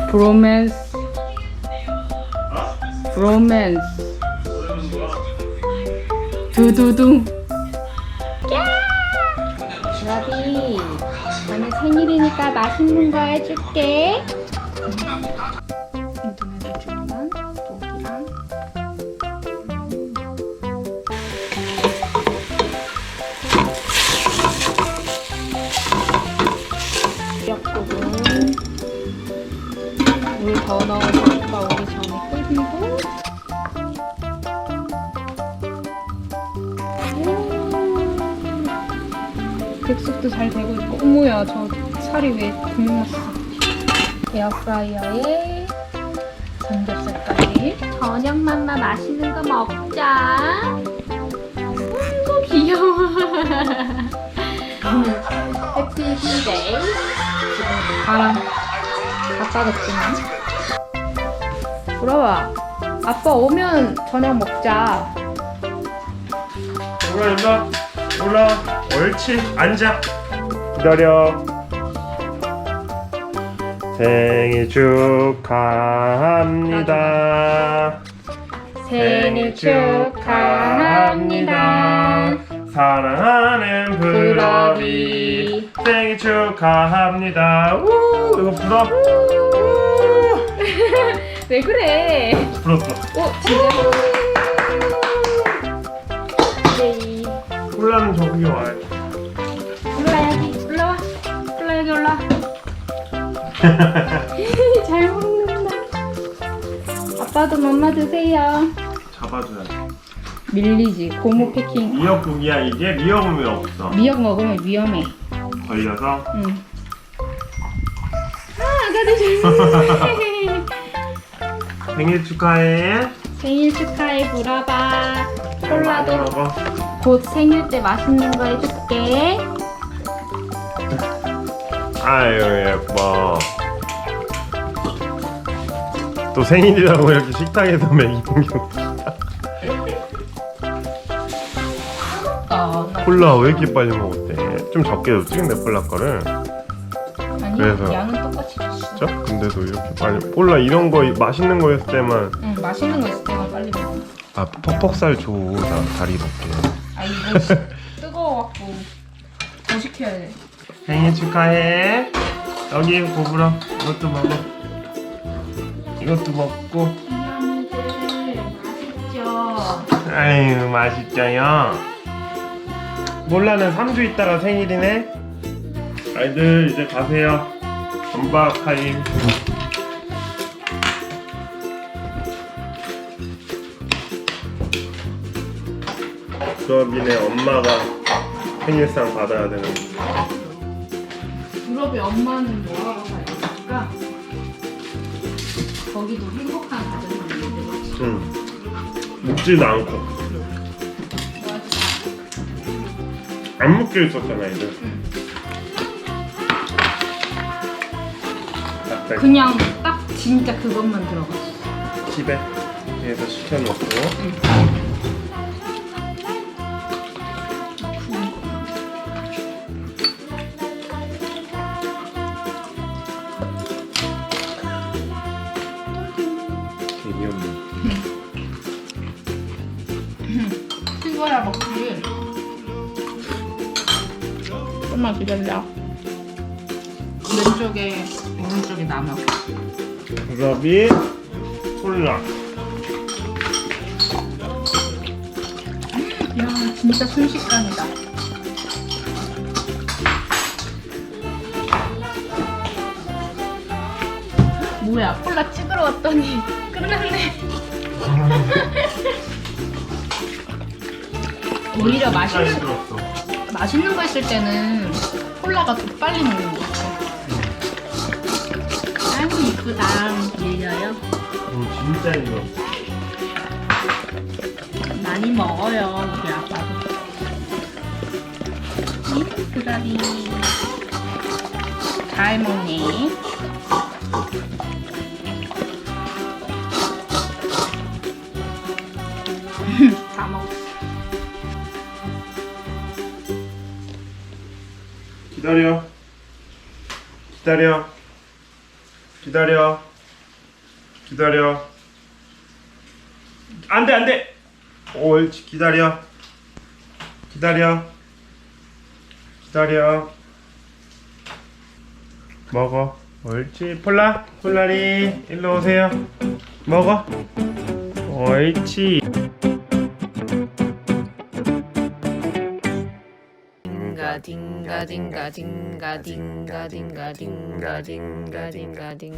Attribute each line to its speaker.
Speaker 1: 브로맨스. 브로맨스. 두두둥. 러비, 오늘 생일이니까 맛있는 거 해줄게. 인터넷에 주문한 고기랑 미역국은 물 더 넣어서 오빠 오기 전에 끓이고. 백숙도 잘 되고 있고. 어머야, 저 살이 왜 굶었어. 에어프라이어에 삼겹살까지. 저녁맘마 맛있는 거 먹자. 아이고 귀여워. 해피 힐데이. 지금 바람 갖다 줬지만. 돌아와. 아빠 오면 저녁 먹자.
Speaker 2: 올라. 옳지. 앉아. 기다려. 생일 축하합니다.
Speaker 1: 생일 축하합니다.
Speaker 2: 사랑하는 브러비 생일 축하합니다. 우 이거 불어.
Speaker 1: 왜 그래?
Speaker 2: 불어.
Speaker 1: 오, 진짜? 네.
Speaker 2: 콜라는 저기 와요.
Speaker 1: 올라 여기 올라와. 올라 여기 올라. 잘 먹는다. 아빠도 맘마 드세요.
Speaker 2: 잡아줘야지.
Speaker 1: 밀리지. 고무 패킹.
Speaker 2: 미역국이야 이게? 미역은 왜 없어?
Speaker 1: 미역 먹으면 위험해.
Speaker 2: 걸려서?
Speaker 1: 응. 아, 아가들 잘 먹네.
Speaker 2: 생일 축하해.
Speaker 1: 생일 축하해 브라바. 콜라도
Speaker 2: 먹어.
Speaker 1: 곧 생일 때 맛있는 거 해줄게.
Speaker 2: 아유 예뻐. 또 생일이라고 이렇게 식탁에서 먹이는 게 웃기다. 콜라 왜 이렇게 빨리 먹었대? 좀 적게 줬지 근데 콜라 거를.
Speaker 1: 아니,
Speaker 2: 그래서.
Speaker 1: 양은 똑같이 줬어.
Speaker 2: 진짜? 근데도 이렇게 빨리 콜라 이런 거 맛있는 거였을 때만.
Speaker 1: 응, 맛있는 거 있을 때만 빨리 먹어.
Speaker 2: 아 퍽퍽살 줘. 나 다리 먹게.
Speaker 1: 아, 이거 뜨거워갖고 더 시켜야 돼.
Speaker 2: 생일 축하해. 여기 고불어. 이것도 먹어. 이것도 먹고.
Speaker 1: 이놈들 맛있죠?
Speaker 2: 아유 맛있죠요. 몰라는 3주 있다가 생일이네. 아이들 이제 가세요. 전박 타임. 수업이네 엄마가 생일상 받아야 되는.
Speaker 1: 유럽의 엄마는 뭐하고 살까? 거기도 행복한 가정이 있는데 그렇지?
Speaker 2: 응. 묵지도 않고. 안 묶여 있었잖아 이들. 갑자기
Speaker 1: 그냥 딱 진짜 그것만 들어갔어.
Speaker 2: 집에 위에서 시켜놓고. 재미없네.
Speaker 1: 이거야 먹지. 좀만 기다려. 왼쪽에 오른쪽에 남아.
Speaker 2: 브러비 콜라.
Speaker 1: 야, 진짜 순식간이다. 뭐야, 콜라 찍으러 왔더니 끝났네. 오히려 맛있는 거 있을 때는 콜라가 더 빨리 먹는 것 같아. 아이고 이쁘다. 밀려요.
Speaker 2: 진짜 이거.
Speaker 1: 많이 먹어요 우리 아빠도. 그다리 잘 먹네. 다 먹었어.
Speaker 2: 기다려. 기다려. 기다려. 기다려. 안돼 안돼. 옳지. 기다려. 기다려. 기다려. 먹어. 옳지. 폴라리 일로 오세요. 먹어. 옳지.
Speaker 1: 딩가 딩가 딩가 딩가 딩가 딩가 딩가 딩가 딩가 딩